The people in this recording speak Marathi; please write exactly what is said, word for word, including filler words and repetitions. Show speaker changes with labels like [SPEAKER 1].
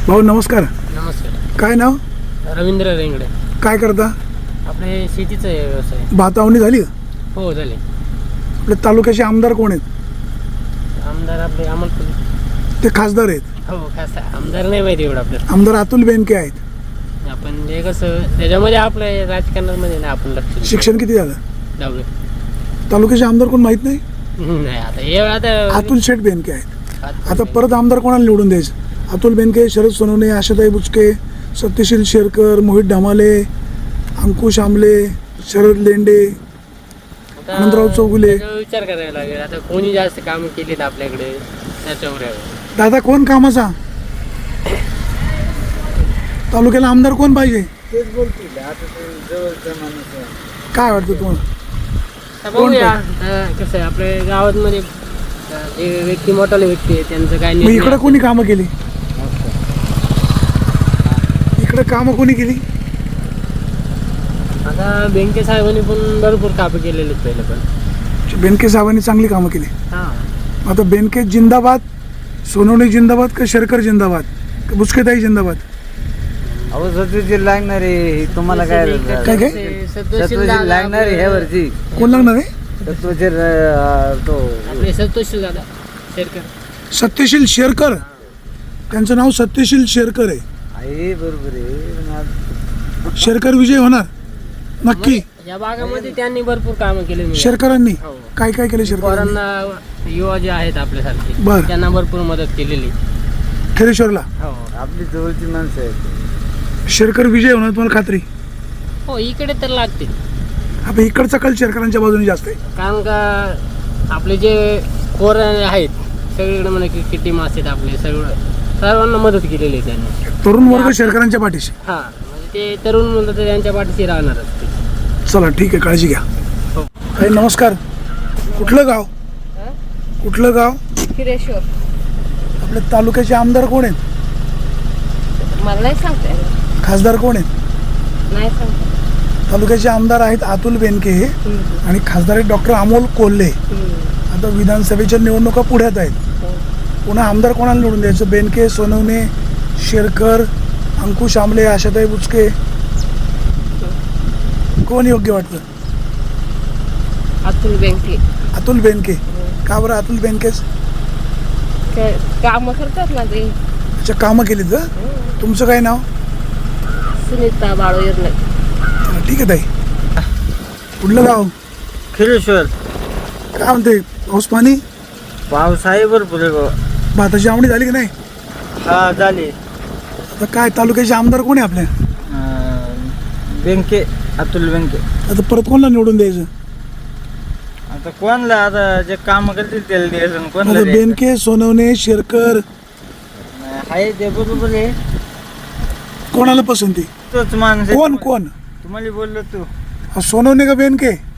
[SPEAKER 1] भाऊ नमस्कार.
[SPEAKER 2] नमस्कार.
[SPEAKER 1] काय नाव?
[SPEAKER 2] रवींद्र रेंगडे.
[SPEAKER 1] काय करता?
[SPEAKER 2] आपले शेतीचा व्यवसाय.
[SPEAKER 1] भातावणी झाली का?
[SPEAKER 2] हो झाले.
[SPEAKER 1] आपल्या तालुक्याचे आमदार कोण आहेत?
[SPEAKER 2] आमदार आपले अमोल कोल्हे.
[SPEAKER 1] ते खासदार आहेत.
[SPEAKER 2] हो खासा आमदार नाही माहिती एवढं आपल्याला.
[SPEAKER 1] आमदार अतुल बेनके आहेत.
[SPEAKER 2] आपण हे कसं त्याच्यामध्ये आपल्या राजकारणामध्ये नाही आपण लक्ष.
[SPEAKER 1] शिक्षण किती झालं?
[SPEAKER 2] दहावी.
[SPEAKER 1] तालुक्याचे आमदार कोण माहित नाही?
[SPEAKER 2] नाही आता हे आता
[SPEAKER 1] अतुल शेठ बेनके आहेत. आता परत आमदार कोणाला निवडून द्यायचं? अतुल बेनके, शरद सोनवणे, आशाताई बुचके, सत्यशील शेरकर, मोहित ढामाले, अंकुश आमले, शरद लेंडे,
[SPEAKER 2] आता
[SPEAKER 1] आनंदराव चौगुले.
[SPEAKER 2] त्याच्यावर विचार करायला लागेल आता कोणी जास्त काम केलीत आपल्याकडे त्याच्यावर आहे.
[SPEAKER 1] दादा कोण कामाचा? तालुक्याला आमदार कोण पाहिजे?
[SPEAKER 3] तेच बोलतील आता ते जवळचा माणूस आहे.
[SPEAKER 1] काय वाटतं तुम्हाला?
[SPEAKER 2] आता बघूया आता कसं आहे आपल्या गावामध्ये जे व्यक्ती मोठाले व्यक्ती आहे त्यांचं काय
[SPEAKER 1] मग
[SPEAKER 2] निर्णय
[SPEAKER 1] इकडं
[SPEAKER 2] असेल.
[SPEAKER 1] कोणी कामं केली? इकडं कामं कोणी केली?
[SPEAKER 2] आता बेनके साहेबांनी पण भरपूर कामं केलेली आहेत पहिले पण.
[SPEAKER 1] बेनके साहेबांनी चांगली कामं केली.
[SPEAKER 2] हां
[SPEAKER 1] आता बेनके जिंदाबाद, सोनवणे जिंदाबाद का शेरकर जिंदाबाद का बुचकेताई जिंदाबाद?
[SPEAKER 3] अहो सत्वशील लागणार आहे तुम्हाला काय
[SPEAKER 1] काय काय?
[SPEAKER 3] सत्वशील लागणार आहे ह्या वरची
[SPEAKER 1] कोण लागणार आहे?
[SPEAKER 3] सत्वशील अं, तो
[SPEAKER 2] आपले संतोष दादा शेरकर.
[SPEAKER 1] सत्यशील शेरकर. त्यांचं नाव सत्यशील शेरकर आहे.
[SPEAKER 3] आहे बरोबर आहे पण आज
[SPEAKER 1] शेरकर विजय होणार नक्की.
[SPEAKER 2] या भागामध्ये त्यांनी भरपूर कामं केली.
[SPEAKER 1] शेरकरांनी
[SPEAKER 2] हो.
[SPEAKER 1] काय काय केलं शेरकरांनी?
[SPEAKER 2] पोरांना युवा जे आहेत आपल्यासारखे
[SPEAKER 1] बरं.
[SPEAKER 2] त्यांना भरपूर मदत केलेली.
[SPEAKER 1] खेरेश्वरला
[SPEAKER 2] हो
[SPEAKER 3] आपली जवळची माणसं आहेत.
[SPEAKER 1] शेरकर विजय होणार तुम्हाला खात्री?
[SPEAKER 2] हो इकडे तर लागते
[SPEAKER 1] आता इकडचा कल शेरकरांच्या बाजूने जास्त आहे.
[SPEAKER 2] कारण का आपले जे पोर आहेत सगळीकडे म्हणा की टीम असतात आपले सगळं सर्वांना मदत केलेली आहे त्यांनी.
[SPEAKER 1] तरुण वर्ग शेरकरांच्या पाठीशी.
[SPEAKER 2] हां म्हणजे ते तरुण म्हणलं तर त्यांच्या पाठीशी राहणारच ते.
[SPEAKER 1] चला ठीक आहे, काळजी घ्या.
[SPEAKER 2] हो.
[SPEAKER 1] ताई नमस्कार. कुठलं गाव? कुठलं गाव?
[SPEAKER 4] खिरेश्वर.
[SPEAKER 1] आपल्या तालुक्याचे आमदार कोण आहेत?
[SPEAKER 4] मला नाही सांगता येणार.
[SPEAKER 1] खासदार कोण आहेत?
[SPEAKER 4] नाही सांगता.
[SPEAKER 1] तालुक्याचे आमदार आहेत अतुल बेनके आणि खासदार आहेत डॉक्टर अमोल कोल्हे. आता विधानसभेच्या निवडणुका पुढ्यात आहेत. पुन्हा आमदार कोणाला निवडून द्यायचं? बेनके, सोनवणे, शेरकर, अंकुश आमले, आशाताई बुचके, कोण योग्य वाटतं?
[SPEAKER 4] अतुल बँके.
[SPEAKER 1] अतुल बेनके. का बरं अतुल बेनकेच?
[SPEAKER 4] कामं करतात ना ते.
[SPEAKER 1] अच्छा कामं केलीत का? तुमचं काय नाव?
[SPEAKER 4] सुनीता बाळू येरले.
[SPEAKER 1] चला, ठीक आहे ताई. कुठलं गाव?
[SPEAKER 3] खिरेश्वर.
[SPEAKER 1] काय म्हणते पाऊस पाणी?
[SPEAKER 3] पाऊस आहे भरपूर आहे बाबा.
[SPEAKER 1] भाताची आवडी झाली की नाही?
[SPEAKER 3] हा झाली.
[SPEAKER 1] आता काय तालुक्याचे आमदार कोण आहे आपल्या?
[SPEAKER 3] बँके अतुल बँके.
[SPEAKER 1] आता परत कोणाला निवडून द्यायचं?
[SPEAKER 3] आता कोणला आता जे काम करतील त्याला द्यायचं कोणला
[SPEAKER 1] आता
[SPEAKER 3] द्यायचं?
[SPEAKER 1] बेनके, सोनवणे, शेरकर
[SPEAKER 3] आहे ते बरोबर आहे.
[SPEAKER 1] कोणाला पसंती?
[SPEAKER 3] तोच माणूस आहे.
[SPEAKER 1] कोण कोण?
[SPEAKER 3] तुम्हाला बोललो तू
[SPEAKER 1] हा, सोनवणे का बेनके?